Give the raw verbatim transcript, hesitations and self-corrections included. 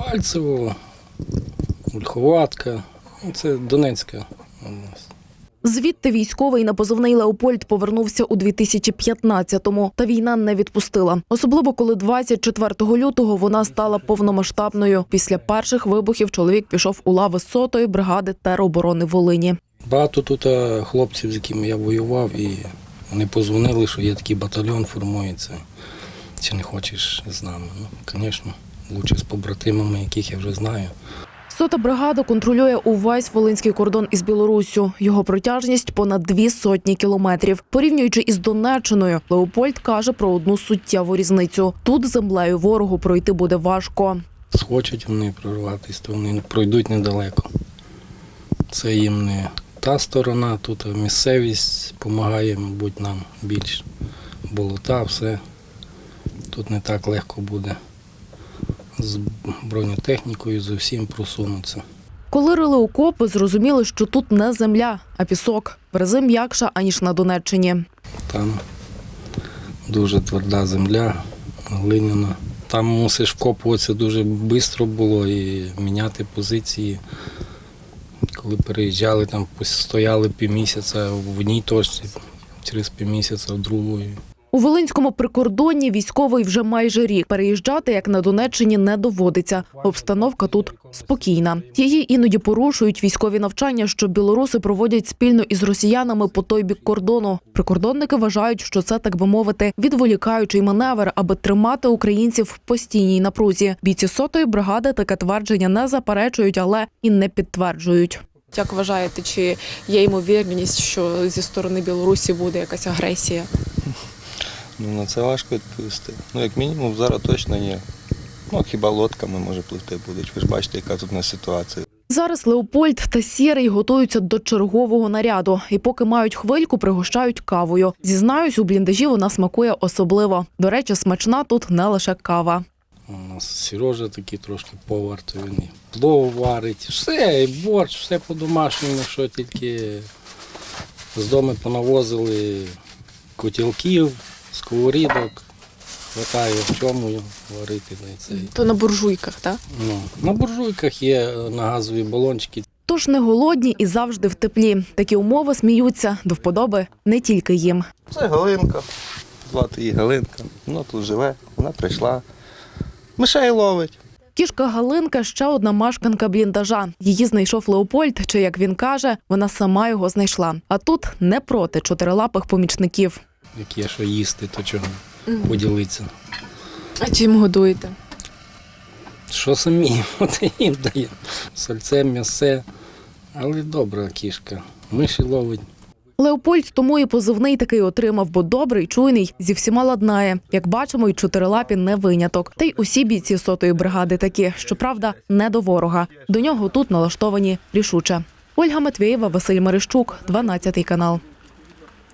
Дебальцево, Ольховатка. Це Донецька область. Звідти військовий на позивний «Леопольд» повернувся у дві тисячі п'ятнадцятому, та війна не відпустила. Особливо, коли двадцять четвертого лютого вона стала повномасштабною. Після перших вибухів чоловік пішов у лави сотої бригади тероборони Волині. Багато тут хлопців, з якими я воював, і вони позвонили, що є такий батальйон, формується. Чи не хочеш з нами? Ну, звісно, краще з побратимами, яких я вже знаю. Сота бригада контролює увесь волинський кордон із Білоруссю. Його протяжність – понад дві сотні кілометрів. Порівнюючи із Донеччиною, Леопольд каже про одну суттєву різницю. Тут землею ворогу пройти буде важко. Схочуть вони прорватися, то вони пройдуть недалеко. Це їм не та сторона, тут місцевість допомагає, мабуть, нам більше. Болота, все. Тут не так легко буде з бронетехнікою, з усім просунутися. Коли рили окопи, зрозуміли, що тут не земля, а пісок. В рази м'якша, аніж на Донеччині. Там дуже тверда земля, глиняна. Там мусиш вкопуватися дуже швидко було і міняти позиції. Коли переїжджали, там стояли півмісяця в одній точці, через півмісяця в другої. У Волинському прикордонні військовий вже майже рік. Переїжджати, як на Донеччині, не доводиться. Обстановка тут спокійна. Її іноді порушують військові навчання, що білоруси проводять спільно із росіянами по той бік кордону. Прикордонники вважають, що це, так би мовити, відволікаючий маневр, аби тримати українців в постійній напрузі. Бійці сотої бригади таке твердження не заперечують, але і не підтверджують. Як вважаєте, чи є ймовірність, що зі сторони Білорусі буде якась агресія? Ну, на це важко відповісти. Ну, як мінімум, зараз точно ні. Ну, хіба лодками, може, пливти будуть. Ви ж бачите, яка тут у нас ситуація. Зараз Леопольд та Сірий готуються до чергового наряду. І поки мають хвильку, пригощають кавою. Зізнаюсь, у бліндажі вона смакує особливо. До речі, смачна тут не лише кава. У нас Сережа такий трошки повар, то він і плов варить. Все, і борщ, все по-домашньому, що тільки з дому понавозили котілків, сковорідок, хватає в чому варити. То на буржуйках, так? Ну, на буржуйках є, на газові балончики. Тож не голодні і завжди в теплі. Такі умови, сміються, до вподоби не тільки їм. Це Галинка, звати її Галинка. Вона тут живе, вона прийшла. Мишей ловить. Кішка Галинка – ще одна мешканка бліндажа. Її знайшов Леопольд, чи, як він каже, вона сама його знайшла. А тут не проти чотирилапих помічників. Як є що їсти, то чого поділитися. А чим годуєте? Що самі, от їм даємо. Сальце, м'ясе, але добра кішка, миші ловить. Леопольд тому і позивний такий отримав, бо добрий, чуйний, зі всіма ладнає. Як бачимо, й чотирилапі не виняток. Та й усі бійці сотої бригади такі, щоправда, не до ворога. До нього тут налаштовані рішуче. Ольга Матвєєва, Василь Мерещук, дванадцятий канал.